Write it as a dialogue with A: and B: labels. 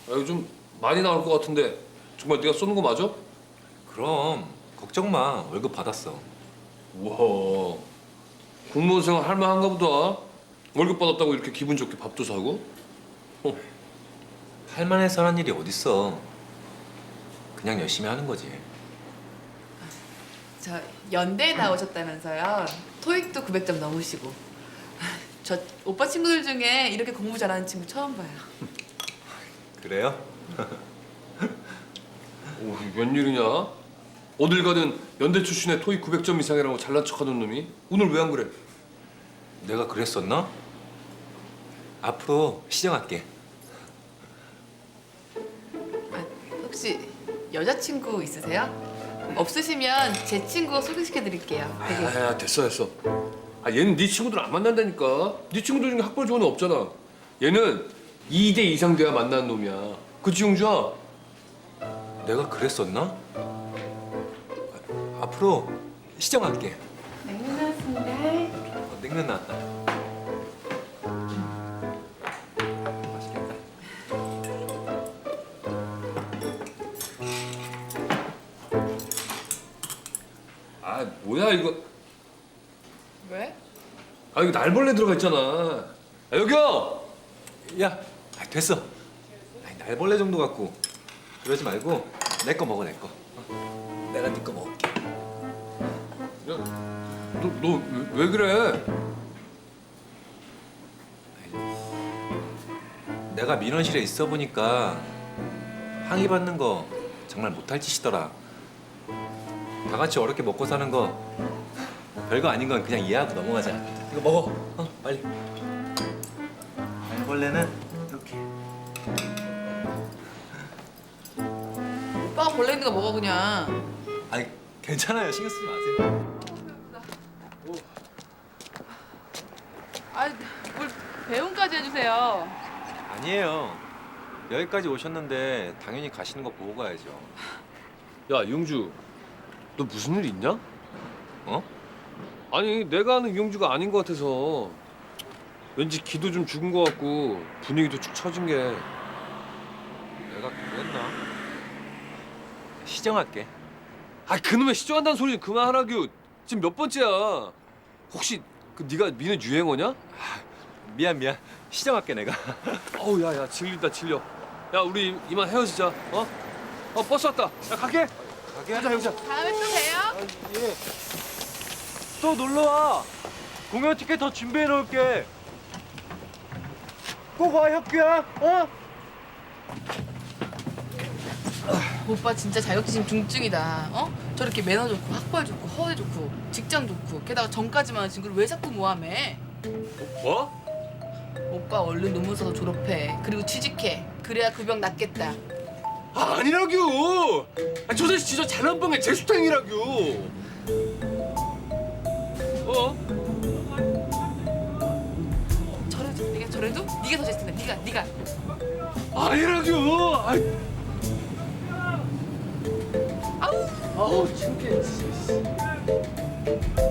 A: 이거 좀 많이 나올 것 같은데 정말 네가 쏘는 거 맞아?
B: 그럼 걱정 마. 월급 받았어.
A: 우와, 공무원 생활 할만한가 보다. 월급 받았다고 이렇게 기분 좋게 밥도 사고?
B: 할 만해서 하는 일이 어딨어. 그냥 열심히 하는 거지.
C: 저 연대에 나오셨다면서요. 토익도 900점 넘으시고. 저 오빠 친구들 중에 이렇게 공부 잘하는 친구 처음 봐요.
B: 그래요?
A: 오, 웬일이냐? 어딜 가든 연대 출신의 토익 900점 이상이라고 잘난 척하는 놈이 오늘 왜 안 그래?
B: 내가 그랬었나? 앞으로 시정할게.
C: 아, 혹시 여자친구 있으세요? 없으시면 제 친구 소개시켜드릴게요. 되게
A: 야, 됐어. 얘는 네 친구들 안 만난다니까. 네 친구들 중에 학벌 좋은 애 없잖아. 얘는 2대 이상 돼야 만나는 놈이야. 그치, 용주야?
B: 내가 그랬었나? 앞으로 시정할게.
C: 냉면 나왔습니다.
B: 냉면 나왔다. 맛있겠다.
A: 아, 뭐야 이거.
C: 왜?
A: 아, 이거 날벌레 들어가 있잖아. 아, 여기요!
B: 야, 됐어. 아니, 날벌레 정도 갖고 그러지 말고 내 거 먹어, 내 거. 내가 네 거 먹을게.
A: 야, 너 왜 그래?
B: 내가 민원실에 있어 보니까 항의 받는 거 정말 못할 짓이더라. 다 같이 어렵게 먹고 사는 거 별거 아닌 건 그냥 이해하고 넘어가자. 이거 먹어. 빨리. 날벌레는 이렇게.
C: 오빠가 벌레 있는 거 먹어 그냥.
B: 아니 괜찮아요. 신경 쓰지 마세요.
C: 아, 뭘 배웅까지 해주세요.
B: 아니에요. 여기까지 오셨는데 당연히 가시는 거 보고 가야죠.
A: 야, 용주. 너 무슨 일 있냐?
B: 어?
A: 아니, 내가 아는 이용주가 아닌 것 같아서 왠지 기도 좀 죽은 것 같고 분위기도 축 처진 게.
B: 내가 그랬나? 시정할게.
A: 아, 그놈의 시정한다는 소리 좀 그만하라규. 지금 몇 번째야? 혹시 그 네가 미는 유행어냐?
B: 미안. 시정할게 내가.
A: 어우, 야, 질린다, 질려. 야, 우리 이만 헤어지자. 어? 버스 왔다. 야, 갈게.
B: 가게
A: 가자.
C: 다음에 또 봬요.
B: 예. 또 놀러 와. 공연 티켓 더 준비해 놓을게. 꼭 와, 혁규야. 어?
C: 오빠 진짜 자격지심 중증이다. 어? 저렇게 매너 좋고 학벌 좋고 허세 좋고 직장 좋고 게다가 전까지만 한 친구를 왜 자꾸 모함해?
A: 뭐?
C: 오빠 얼른 논문 써서 졸업해. 그리고 취직해. 그래야 그 병 낫겠다.
A: 아, 아니라규. 아, 저 자식 진짜 잘난 뻥에 재수탱이라규. 어?
C: 저래도? 네가 저래도? 네가 더 잘생긴다. 네가.
A: 아니라규.
C: 아우.
A: 아우, 창피해.